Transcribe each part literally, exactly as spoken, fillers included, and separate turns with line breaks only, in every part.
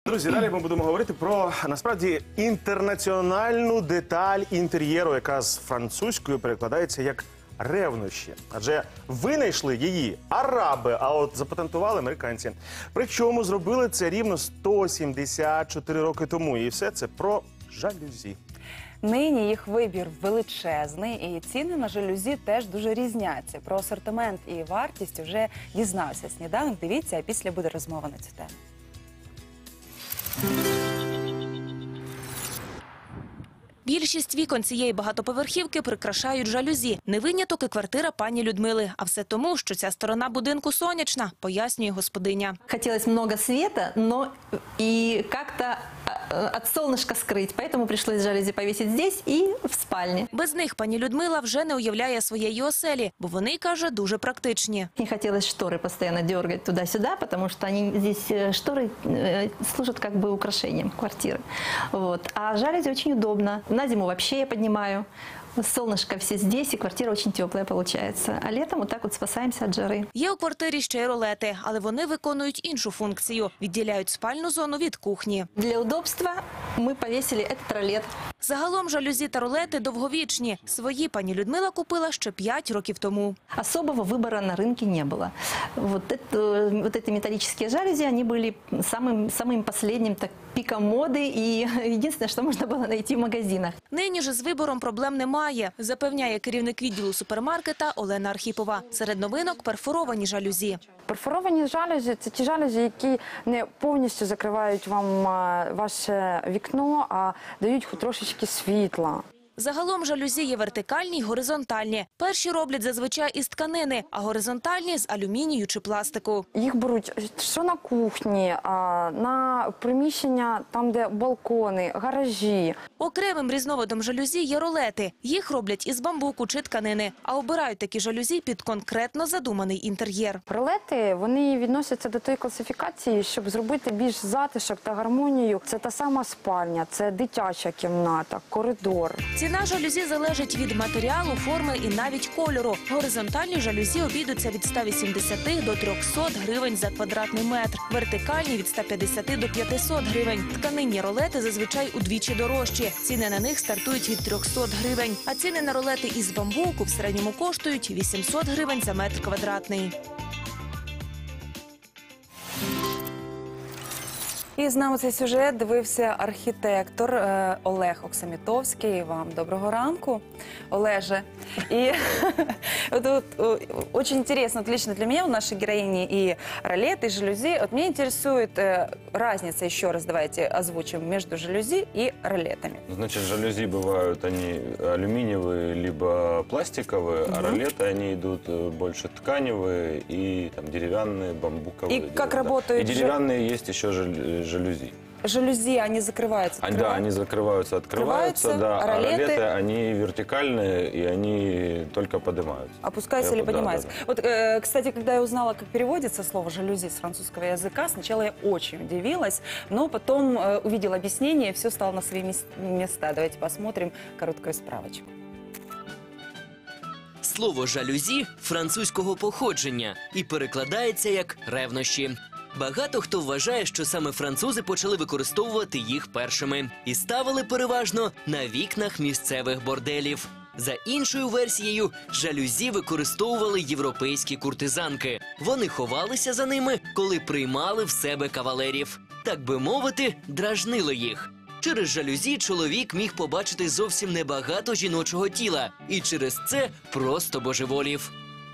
Друзі, далі ми будемо говорити про, насправді, інтернаціональну деталь інтер'єру, яка з французькою перекладається як ревнощі. Адже винайшли її араби, а от запатентували американці. Причому зробили це рівно сто сімдесят чотири роки тому. І все це про жалюзі.
Нині їх вибір величезний, і ціни на жалюзі теж дуже різняться. Про асортимент і вартість вже дізнався сніданок. Дивіться, а після буде розмова на цю тему.
Більшість вікон цієї багатоповерхівки прикрашають жалюзі. Не виняток і квартира пані Людмили. А все тому, що ця сторона будинку сонячна, пояснює господиня.
Хотелось много света, но и как-то от солнышка скрыть, поэтому пришлось жалюзи повесить здесь и в спальне.
Без них пані Людмила вже не уявляє своєї оселі, бо вони, каже, дуже практичні.
Не хотелось шторы постоянно дергать туда-сюда, потому что они здесь, шторы, служат как бы украшением квартиры. Вот. А жалюзи очень удобно. На зиму вообще я поднимаю. Солнышко все здесь, и квартира очень теплая получается. А летом вот так вот спасаемся от жары.
Є у квартирі ще й ролети, але вони виконують іншу функцію – відділяють спальну зону від кухні.
Для удобства мы повесили этот ролет.
Загалом жалюзі та ролети довговічні. Свої пані Людмила купила ще п'ять років тому.
Особого выбора на рынке не было. Вот, это, вот эти металлические жалюзи, они были самым, самым последним так, пиком моды и единственное, что можно было найти в магазинах.
Нині ж з вибором проблем немає, запевняє керівник відділу супермаркета Олена Архіпова. Серед новинок – перфоровані жалюзі.
Перфоровані жалюзі – це ті жалюзі, які не повністю закривають вам ваше вікно, а дають хоч трошечки світла.
Загалом жалюзі є вертикальні й горизонтальні. Перші роблять зазвичай із тканини, а горизонтальні – з алюмінію чи пластику.
Їх беруть що на кухні, на приміщення, там де балкони, гаражі.
Окремим різновидом жалюзі є ролети. Їх роблять із бамбуку чи тканини, а обирають такі жалюзі під конкретно задуманий інтер'єр.
Ролети, вони відносяться до тої класифікації, щоб зробити більш затишок та гармонію. Це та сама спальня, це дитяча кімната, коридор.
Ціна жалюзі залежить від матеріалу, форми і навіть кольору. Горизонтальні жалюзі обійдуться від ста вісімдесяти до трьохсот гривень за квадратний метр. Вертикальні – від ста п'ятдесяти до п'ятисот гривень. Тканинні ролети зазвичай удвічі дорожчі. Ціни на них стартують від трьохсот гривень. А ціни на ролети із бамбуку в середньому коштують вісімсот гривень за метр квадратний.
І з нами цей сюжет дивився архітектор е, Олег Оксамітовський. Вам доброго ранку, Олеже. И вот, вот, очень интересно, вот лично для меня, у нашей героини и ролет, и жалюзи. Вот меня интересует э, разница, еще раз давайте озвучим, между жалюзи и ролетами.
Значит, жалюзи бывают они алюминиевые, либо пластиковые, угу. а ролеты они идут больше тканевые и там, деревянные, бамбуковые.
И как работают?
И деревянные есть еще жалюзи.
Жалюзи, они закрываются,
открываются? Да, они закрываются, открываются, да,
а ролеты...
а ролеты, они вертикальные, и они только поднимаются.
Опускаются или поднимаются. Да, да, да. Вот, э, кстати, когда я узнала, как переводится слово «жалюзи» с французского языка, сначала я очень удивилась, но потом э, увидела объяснение, и все стало на свои места. Давайте посмотрим короткую справочку.
Слово «жалюзі» французького походження і перекладається як «ревнощі». Багато хто вважає, що саме французи почали використовувати їх першими і ставили переважно на вікнах місцевих борделів. За іншою версією, жалюзі використовували європейські куртизанки. Вони ховалися за ними, коли приймали в себе кавалерів. Так би мовити, дражнили їх. Через жалюзі чоловік міг побачити зовсім небагато жіночого тіла і через це просто божеволів.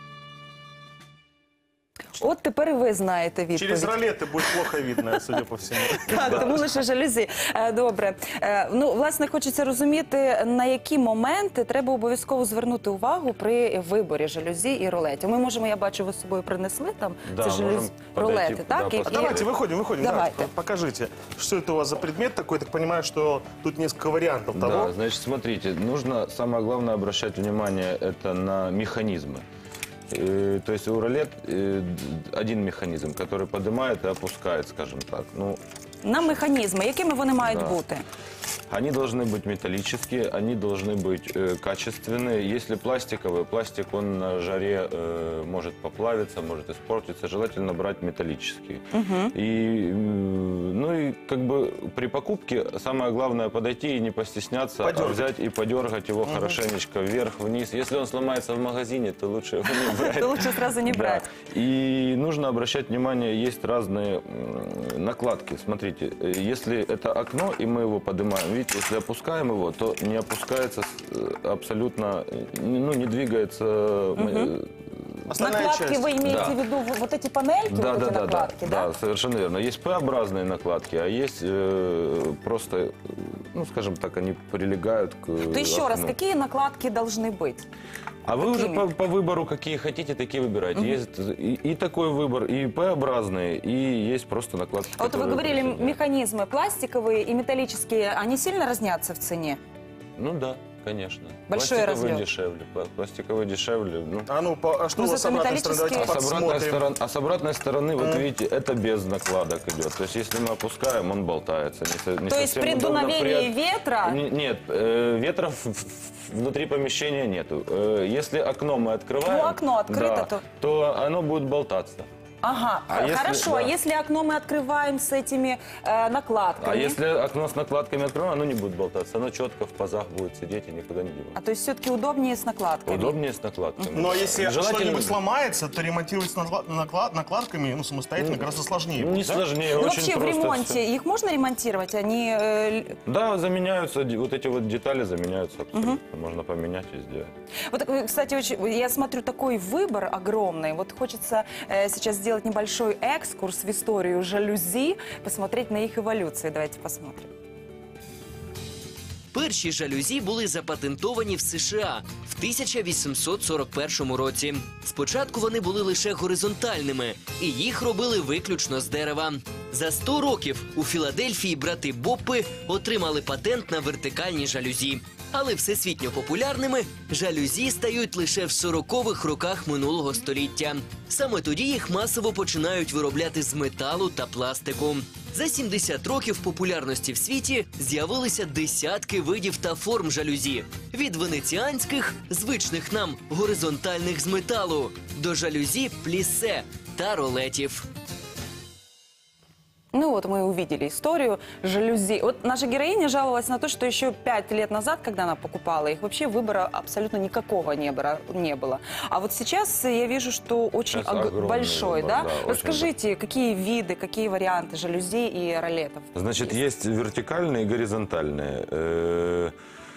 От тепер і ви знаєте відповідь.
Через ролети буде плохо видно, судя по всьому.
Так, тому лише жалюзі. Добре. Ну, власне, хочеться розуміти, на які моменти треба обов'язково звернути увагу при виборі жалюзі і ролетів. Ми можемо, я бачу, ви з собою принесли там ці жалюзі, ролети, так?
А давайте, выходим, выходим.
Давайте.
Покажите, что это у вас за предмет такой. Так понимаю, что тут несколько вариантов того.
Да, значит, смотрите, нужно, самое главное, обращать внимание это на механизмы. И, то есть у ролет э, один механизм, который поднимает и опускает, скажем так. Ну,
на механізми, якими вони мають
да.
бути?
Они должны быть металлические, они должны быть э, качественные. Если пластиковые, пластик, он на жаре э, может поплавиться, может испортиться. Желательно брать металлические. И, э, ну и как бы при покупке самое главное подойти и не постесняться, а
Подергать.
взять и подергать его хорошенечко вверх-вниз. Если он сломается в магазине, то лучше его не брать.
То лучше сразу не
Да.
брать.
И нужно обращать внимание, есть разные м, накладки. Смотрите, э, если это окно, и мы его поднимаем, видите, если опускаем его, то не опускается э, абсолютно, э, ну, не двигается. э,
Основная
Накладки
часть.
вы имеете
Да.
в виду в- вот эти панельки,
Да,
вот
да,
эти
да, да,
накладки, да?
да, совершенно верно. Есть П-образные накладки, а есть э, просто, э, ну, скажем так, они прилегают к
То еще раз,
окну.
какие накладки должны быть?
А вы уже
Какими?
по, по выбору, какие хотите, такие выбирайте. Есть и, и такой выбор, и П-образные, и есть просто накладки.
А вот вы
которые
говорили,
просто-
механизмы пластиковые и металлические, они сильно разнятся в цене?
Ну да, конечно.
Большой
Пластиковые
разлет.
дешевле. пла- Пластиковые дешевле. Ну.
А ну, по- а что
Ну,
у вас с
зато
обратной стороны? Давайте
металлические-
А с, обратной
посмотрим.
сторон- а с обратной стороны, вот видите, это без накладок идет. То есть, если мы опускаем, он болтается. Не со- не
То есть
совсем
при
удобно.
дуновении
При-
ветра...
Не- Нет, э, ветра в- в- внутри помещения нету. Э, Если окно мы открываем,
Ну, окно открыто,
да,
то-
то оно будет болтаться.
Ага,
А если-
хорошо. А
да.
если окно мы открываем с этими э, накладками?
А если окно с накладками откроем, оно не будет болтаться. Оно четко в пазах будет сидеть и никуда не
А
деваться.
то есть все-таки удобнее с накладками?
Удобнее с накладками.
Но если
Желательно-
что-нибудь сломается, то ремонтировать с накла- накла- накладками ну, самостоятельно гораздо сложнее.
Не
будет, да?
сложнее,
Ну,
очень
вообще в
просто
ремонте
всё.
их можно ремонтировать? Они э, л-
Да, заменяются, д- вот эти вот детали заменяются абсолютно. Можно поменять и сделать.
Вот, э, кстати, очень, я смотрю, такой выбор огромный. Вот хочется э, сейчас сделать небольшой экскурс в историю жалюзи, посмотреть на их эволюцию. Давайте посмотрим.
Перші жалюзі були запатентовані в США в тисяча вісімсот сорок першому році. Спочатку вони були лише горизонтальними, і їх робили виключно з дерева. За сто років у Філадельфії брати Боппи отримали патент на вертикальні жалюзі. Але всесвітньо популярними жалюзі стають лише в сорокових роках минулого століття. Саме тоді їх масово починають виробляти з металу та пластику. За сімдесят років популярності в світі з'явилися десятки видів та форм жалюзі. Від венеціанських, звичних нам горизонтальних з металу, до жалюзі плісе та ролетів.
Ну вот мы увидели историю жалюзи. Вот наша героиня жаловалась на то, что еще пять лет назад, когда она покупала их, вообще выбора абсолютно никакого не было. Не было. А вот сейчас я вижу, что очень
Сейчас
ог-
огромный
большой,
выбор,
да?
да, очень
Расскажите, какие виды, какие варианты жалюзи и ролетов?
Значит, есть вертикальные и горизонтальные. Э,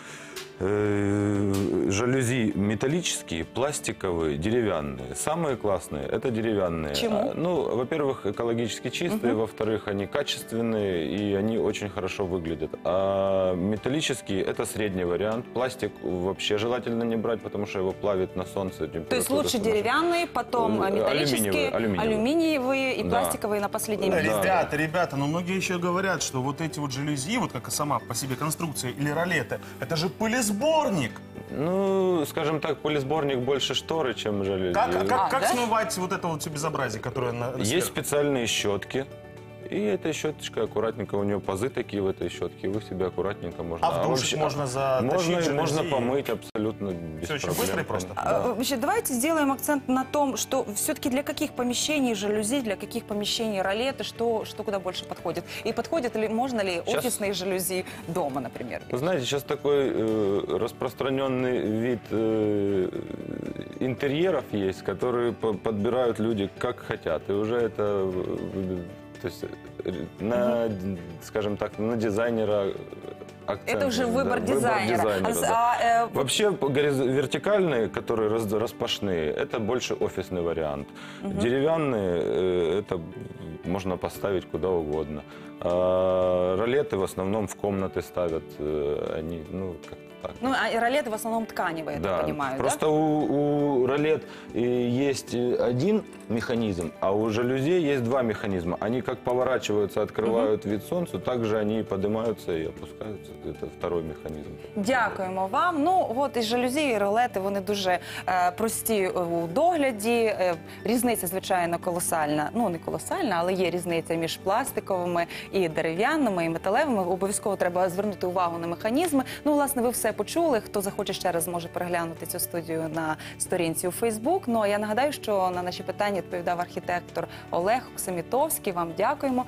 э, Жалюзи металлические, пластиковые, деревянные. Самые классные – это деревянные.
Почему?
А, Ну, во-первых, экологически чистые, во-вторых, они качественные и они очень хорошо выглядят. А металлические – это средний вариант. Пластик вообще желательно не брать, потому что его плавит на солнце.
То есть
температура
лучше
сумасшедшая.
деревянные, потом
Э,
металлические,
алюминиевые, алюминиевые.
алюминиевые и
Да.
пластиковые на последнем месте.
Ребята, ребята, но многие еще говорят, что вот эти вот жалюзи, вот как и сама по себе конструкция или ролеты, это же пылесборник.
Ну, скажем так, полисборник больше шторы, чем жалюзи.
Как, как,
А,
как
да?
смывать вот это вот все безобразие, которое на, на
Есть
сверху?
специальные щетки. И этой щеточкой аккуратненько, у нее пазы такие в этой щетке, вы себе аккуратненько можно...
А в душик
вообще-
можно затащить
Можно,
жалюзи
можно
и-
помыть абсолютно без
Всё очень
проблем.
быстро и просто?
А,
Да.
Вообще, давайте сделаем акцент на том, что все-таки для каких помещений жалюзи, для каких помещений ролеты, что, что куда больше подходит. И подходит ли, можно ли
Сейчас-
офисные жалюзи дома, например?
Вы знаете, сейчас такой э, распространенный вид э, интерьеров есть, которые по- подбирают люди как хотят. И уже это, э, то есть, э, на, скажем так, на дизайнера акцент.
Это уже
да,
выбор дизайнера. А с-
да.
а, э, вот
Вообще по- гориз- вертикальные, которые раз- распашные, это больше офисный вариант. Деревянные, э, это можно поставить куда угодно. А ролеты в основном в комнаты ставят, э, они, ну, как так.
Ну, а и ролеты в основном тканевые, я так понимаю,
Просто
да?
у, у ролет э, есть э, один механизм, а у жалюзи есть два механизма. Они как поворачиваются, открывают вид солнцу, так же они и поднимаются и опускаются. это второй механизм.
Дякуємо вам. Ну, от і жалюзі, і ролети, вони дуже е, прості у догляді. Е, різниця, звичайно, колосальна. Ну, не колосальна, але є різниця між пластиковими і дерев'яними, і металевими. Обов'язково треба звернути увагу на механізми. Ну, власне, ви все почули. Хто захоче ще раз зможе переглянути цю студію на сторінці у Фейсбук. Ну, а я нагадаю, що на наші питання відповідав архітектор Олег Оксамітовський. Вам дякуємо.